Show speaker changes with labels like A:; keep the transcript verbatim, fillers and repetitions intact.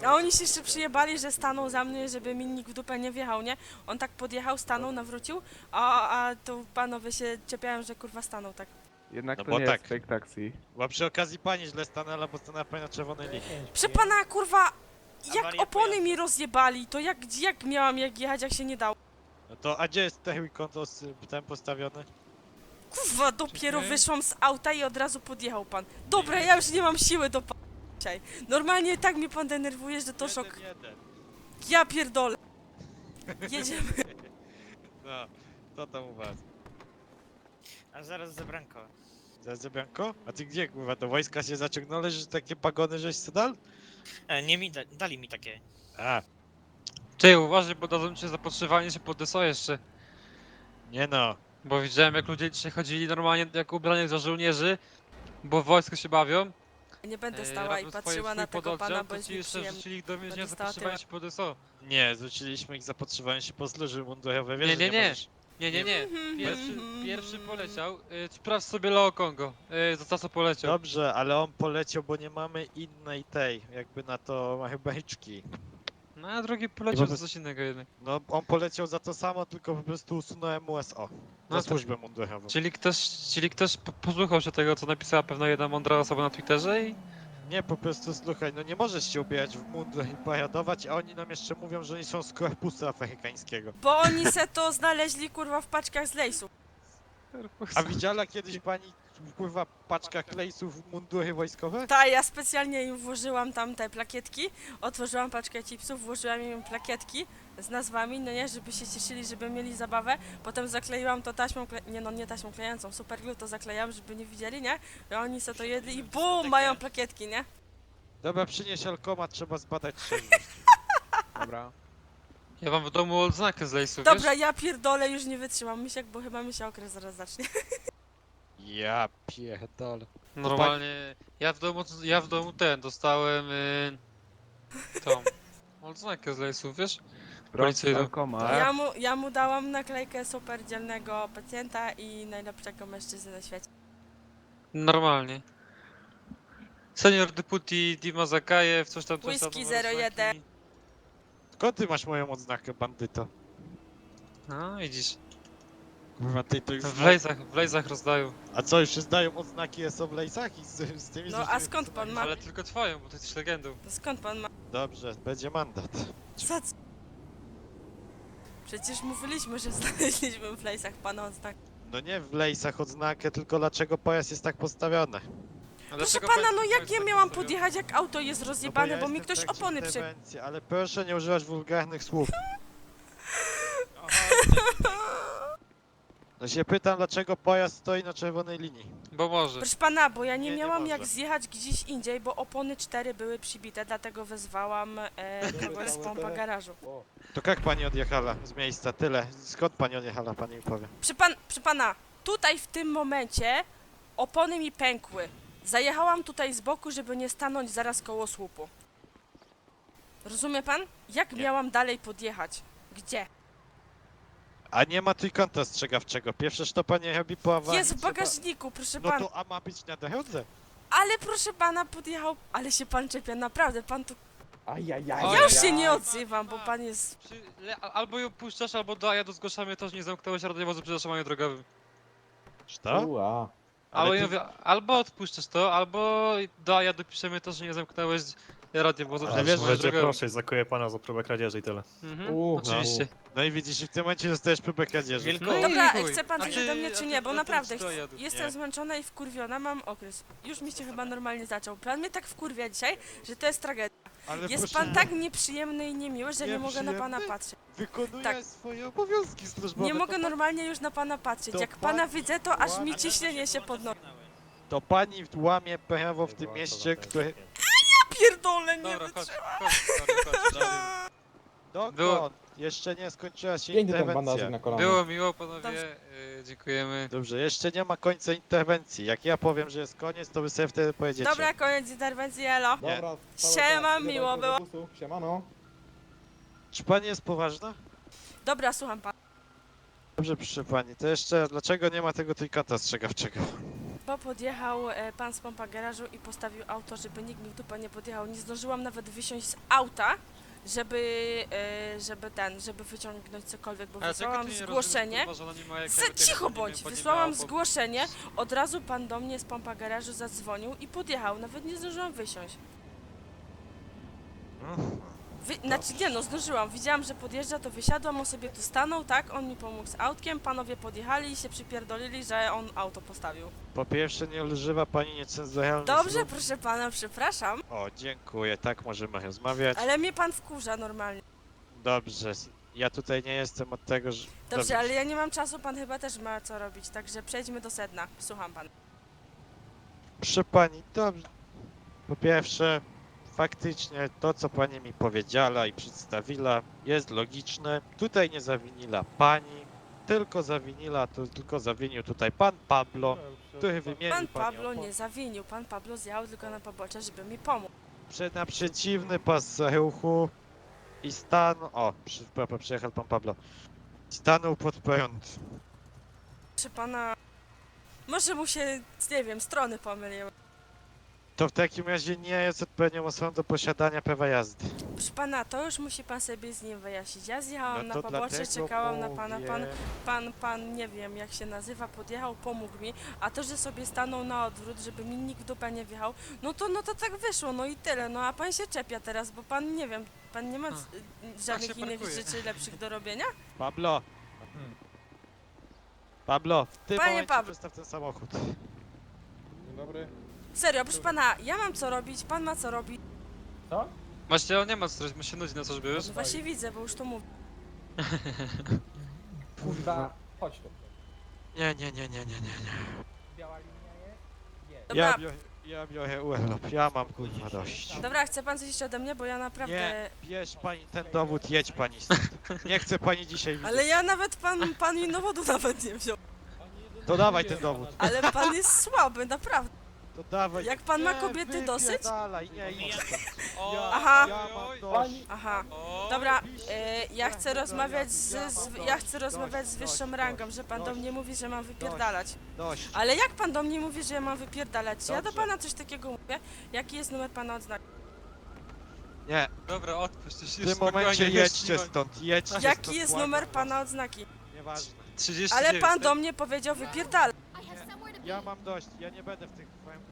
A: A oni się jeszcze przyjebali, że stanął za mnie, żeby mi nikt w dupę nie wjechał, nie? On tak podjechał, stanął, nawrócił, a, a to panowie się czepiają, że kurwa stanął tak.
B: Jednak
C: No
B: to
C: bo
B: nie
C: tak.
B: jest fake taxi.
C: Bo przy okazji pani źle stanęła, bo stanęła pani na czerwonej linii.
A: Prze pana kurwa, jak
D: Awaria
A: opony
D: pojazdu.
A: mi rozjebali, to jak, jak miałam jak jechać, jak się nie dało?
C: No to, a gdzie jest ten konto z tym postawiony?
A: Kurwa, dopiero
C: Czekaj.
A: wyszłam z auta i od razu podjechał pan. Dobra, ja już nie mam siły do pa... dzisiaj. Normalnie tak mnie pan denerwuje, że to szok.
C: Jeden, jeden.
A: Ja pierdolę. Jedziemy.
C: No, co tam u was?
D: A zaraz zabranko.
C: Za Zebianko? A ty gdzie, kurwa, do wojska się zaciągnąłeś, że takie pagony żeś se dal?
D: E, nie mi da, dali mi takie.
C: A,
E: Ty, uważaj, bo dadzą cię zapotrzebowanie się pod D S O jeszcze.
C: nie no.
E: Bo widziałem, jak ludzie dzisiaj chodzili normalnie jak ubrani za żołnierzy, bo w wojsku się bawią.
A: Nie będę
E: e,
A: stała i
E: robią swoje-
A: patrzyła
E: swój
A: na tego
E: pododdział,
A: pana, bo
E: to
A: jest
E: ci jeszcze
A: nieprzyjemny.
E: wrzucili do więzienia
A: dostała
E: zapotrzebowanie się pod D S O.
C: Nie, zwróciliśmy ich zapotrzebowanie się po służby mundurowe, wiesz,
E: Nie,
C: że
E: nie, nie.
C: możesz...
E: Nie, nie, nie.
A: Mhm,
E: Pierwszy,
A: mhm.
E: pierwszy poleciał. Y, sprawdź sobie Leo Kongo. Y, za co poleciał.
C: Dobrze, ale on poleciał, bo nie mamy innej tej, jakby na to beczki.
E: No a drugi poleciał
C: I po
E: za coś innego jednak.
C: No, on poleciał za to samo, tylko po prostu usunąłem U S O.
E: No
C: Za
E: to-
C: służbę mundurową.
E: Czyli ktoś, czyli ktoś po- posłuchał się tego, co napisała pewna jedna mądra osoba na Twitterze i...
C: Nie, po prostu słuchaj, no nie możesz się ubierać w mundur i paradować, a oni nam jeszcze mówią, że oni są z korpusu afrykańskiego.
A: Bo oni se to znaleźli kurwa w paczkach z lejsu.
C: A widziała kiedyś pani, kurwa, paczka klejsów w mundury wojskowe?
A: Ta, ja specjalnie im włożyłam tam te plakietki, otworzyłam paczkę chipsów, włożyłam im plakietki z nazwami, no nie, żeby się cieszyli, żeby mieli zabawę, potem zakleiłam to taśmą, kle... nie no, nie taśmą klejącą, superglue to zaklejam, żeby nie widzieli, nie? I oni se to jedli i bum, mają plakietki, nie?
C: Dobra, przynieś alkomat, trzeba zbadać trzeźwość.
B: Dobra.
E: Ja mam w domu odznakę z lejsu, wiesz?
A: Dobra, ja pierdolę, już nie wytrzymam, misiak, bo chyba mi się okres zaraz zacznie.
C: Ja pierdolę.
E: Normalnie, ja w domu, ja w domu ten, dostałem y, tą odznakę z lejsu, wiesz?
B: Proszę,
E: Policyjną.
B: alkomat.
A: Ja mu, ja mu dałam naklejkę super dzielnego pacjenta i najlepszego mężczyzny na świecie.
E: Normalnie. Senior deputy Dima Zakajew, coś tam, coś tam.
A: Whisky
E: numer
A: zero jeden.
E: odznaki.
C: Skąd ty masz moją odznakę, bandyto?
E: No, widzisz.
C: Kurwa, ty to już...
E: W lejsach, w lejsach rozdają.
C: A co, już się zdają odznaki S O w lejsach i z, z tymi
A: No,
C: z
A: a skąd pan ma?
E: Ale tylko twoją, bo ty jesteś legendą.
A: To skąd pan ma?
C: Dobrze, będzie mandat.
A: Za co? Przecież mówiliśmy, że znaleźliśmy w lejsach pana odznak.
C: No nie w lejsach odznakę, tylko dlaczego pojazd jest tak postawiony.
E: A
A: Proszę
E: dlaczego
A: pana,
E: pan-
A: no
E: pan
A: jak
E: jest
A: ja
E: tak
A: miałam
E: postawiony?
A: podjechać, jak auto jest rozjebane,
C: ja
A: bo mi
C: jestem w
A: ktoś
C: trakcie
A: opony przy...
C: interwencji, ale proszę nie używać wulgarnych słów. No się pytam, dlaczego pojazd stoi na czerwonej linii.
E: Bo może.
A: Proszę pana, bo ja nie,
C: Nie, nie
A: miałam jak
C: może.
A: zjechać gdzieś indziej, bo opony cztery były przybite, dlatego wezwałam e, kogoś z pompa garażu.
C: To jak pani odjechała z miejsca? Tyle. Skąd pani odjechała, pani mi powie.
A: Przy, pan, przy pana, tutaj w tym momencie opony mi pękły. Zajechałam tutaj z boku, żeby nie stanąć zaraz koło słupu. Rozumie pan? Jak
C: Nie.
A: miałam dalej podjechać? Gdzie?
C: A nie ma trójkąta ostrzegawczego. Pierwsze, co pani robi po awarii.
A: Jest w
C: trzeba-
A: bagażniku, proszę
C: No
A: pana.
C: to a ma być na drodze.
A: Ale proszę pana, podjechał... Ale się pan czepia, naprawdę, pan tu...
B: Ajajaj.
E: Oj,
A: Ja już się
E: ja.
A: nie odzywam, bo pan jest...
E: Przy, le, albo ją puszczasz, albo do ja do zgłaszamy to, że nie zamknąłeś radiowozu przy zatrzymaniu drogowym.
C: Co?
B: Ua.
C: Ale
E: Albo,
C: ty-
E: ja mówię, albo odpuszczasz to, albo do ja dopiszemy to, że nie zamknąłeś radiowozu przy
C: Ale wiesz,
E: zatrzymaniu
C: że
E: drogowym.
F: proszę, zakuję pana za próbę kradzieży i tyle.
E: Mhm,
B: U,
E: oczywiście.
C: No i widzisz, i w tym momencie dostajesz próbę kradzieży.
D: Wielko...
E: No i
A: Dobra,
E: chuj.
A: chce pan
E: A
A: coś
E: ty-
A: ode mnie,
E: a
A: czy
E: ty-
A: nie? Bo
E: a ty
A: naprawdę
E: co
A: chcę-
E: jadł?
A: jestem
C: Nie.
A: zmęczona i wkurwiona, mam okres. Już mi się chyba normalnie zaczął. Pan mnie tak wkurwia dzisiaj, że to jest tragedia.
C: Ale
A: Jest
C: proszę,
A: pan tak nieprzyjemny i niemiły, że nie mogę na pana
C: Nieprzyjemny?
A: patrzeć.
C: wykonuje
A: tak.
C: swoje obowiązki służbowe.
A: Nie
C: to
A: mogę
C: pa-
A: normalnie już na pana patrzeć.
C: to
A: Jak pana
C: pani
A: widzę, to aż mi
C: łamie-
A: ciśnienie się podnosi.
C: To pani łamie prawo w tym mieście, które...
A: Pierdolę, nie
E: Dobra, chodź,
A: wytrzymam.
E: chodź, chodź, chodź.
C: Dokąd?
E: Było-
C: Jeszcze nie skończyła się
B: Piękny ten
C: interwencja.
B: bandażyk na kolano.
E: Było miło, panowie,
A: Dobrze.
E: y, dziękujemy.
C: Dobrze, jeszcze nie ma końca interwencji. Jak ja powiem, że jest koniec, to wy sobie wtedy pojedziecie.
A: Dobra, koniec interwencji, elo.
C: Nie.
B: Dobra,
A: Siema, miło było.
B: Siemano.
C: Czy pani jest poważna?
A: Dobra, słucham pana.
C: Dobrze, proszę pani, to jeszcze dlaczego nie ma tego trójkąta ostrzegawczego?
A: bo podjechał e, pan z pompa garażu i postawił auto, żeby nikt mi w dupę nie podjechał. Nie zdążyłam nawet wysiąść z auta, żeby, e, żeby ten, żeby wyciągnąć cokolwiek, bo
E: Ale czego
A: wysłałam
E: ty nie
A: zgłoszenie.
E: rozumiesz, kurwa, że ona nie ma jak
A: Se,
E: jakby tego
A: cicho
E: nie
A: bądź,
E: wiem, bo nie
A: wysłałam
E: miała, bo-
A: zgłoszenie, od razu pan do mnie z pompa garażu zadzwonił i podjechał, nawet nie zdążyłam wysiąść. Wy, znaczy nie no, zdążyłam, widziałam, że podjeżdża, to wysiadłam, on sobie tu stanął, tak, on mi pomógł z autkiem, panowie podjechali i się przypierdolili, że on auto postawił.
C: Po pierwsze, nie używa pani niecenzuralnych
A: Dobrze,
C: słów.
A: proszę pana, przepraszam,
C: O, dziękuję, tak możemy rozmawiać.
A: ale mnie pan wkurza normalnie.
C: Dobrze, ja tutaj nie jestem od tego, że...
A: Dobrze, ale ja nie mam czasu, pan chyba też ma co robić, także przejdźmy do sedna, słucham pan.
C: Proszę pani, dobrze. Po pierwsze, faktycznie to, co pani mi powiedziała i przedstawiła, jest logiczne. Tutaj nie zawiniła pani, tylko zawiniła, to tylko zawinił tutaj pan Pablo, który wymienił
A: Pan
C: pani
A: Pablo
C: opon-
A: nie zawinił, pan Pablo zjechał tylko na pobocze, żeby mi pomóc.
C: Prze- na przeciwny pas ruchu i stanął... O, przy, przy, przyjechał pan Pablo. Stanął pod prąd.
A: Proszę pana, może mu się, nie wiem, strony pomyliły.
C: To w takim razie nie jest odpowiednią osobą do posiadania prawa jazdy.
A: Proszę pana, to już musi pan sobie z nim wyjaśnić. Ja zjechałam
C: No
A: na
C: to
A: pobocze,
C: dlatego
A: czekałam na pana, pan,
C: mówię.
A: pan, pan, nie wiem jak się nazywa, podjechał, pomógł mi, a to, że sobie stanął na odwrót, żeby mi nikt w dupę nie wjechał, no to, no to tak wyszło, no i tyle, no a pan się czepia teraz, bo pan, nie wiem, pan nie ma
E: A,
A: z- żadnych
E: się
A: innych
E: parkuje.
A: rzeczy lepszych do robienia?
C: Pablo! Pablo, w tym
A: Panie
C: momencie
A: Pablo.
C: przestaw ten samochód.
B: Dzień dobry.
A: Serio, proszę pana, ja mam co robić, pan ma co robić.
B: Co?
E: Właśnie on nie ma co, my się nudzi na co, żeby już.
A: No właśnie widzę, bo już to mówię.
B: Kurwa, chodź tu.
C: Nie, nie, nie, nie, nie, nie, nie.
B: Biała linia jest? Jest.
A: Dobra,
C: Ja, biorę, ja biorę urlop, ja mam kurwa dość.
A: dobra, chce pan coś jeszcze ode mnie, bo ja naprawdę...
C: Nie, bierz pani ten dowód, jedź pani stąd. Nie chcę pani dzisiaj widzieć.
A: Ale ja nawet pan, pan mi dowodu nawet nie wziął.
C: To dawaj ten dowód.
A: Ale pan jest słaby, naprawdę.
C: To dawaj.
A: Jak pan ma
C: Nie,
A: kobiety dosyć?
C: Dalej, nie, idź stąd.
E: O,
C: Ja,
A: Aha.
C: ja mam dość.
B: Pani,
A: Aha.
E: O,
A: Dobra, e, ja chcę rozmawiać z, z ja chcę rozmawiać z wyższą rangą, że pan do mnie mówi, że mam wypierdalać.
C: Dość.
A: Ale jak pan do mnie mówi, że ja mam wypierdalać? Czy ja do
C: Dobrze.
A: pana coś takiego mówię? Jaki jest numer pana odznaki?
C: Nie,
E: Dobra, odpuść, już
C: w
E: już
C: tym momencie
E: spokojnie,
C: jedźcie
E: już
C: stąd, jedźcie
A: Jaki
C: stąd,
A: jest
C: błagam
A: numer
C: was.
A: pana odznaki?
C: Nieważne.
E: trzydzieści
A: Ale
E: dziewięć,
A: pan
E: tak?
A: do mnie powiedział wypierdalać.
C: Ja mam dość, ja nie będę w tych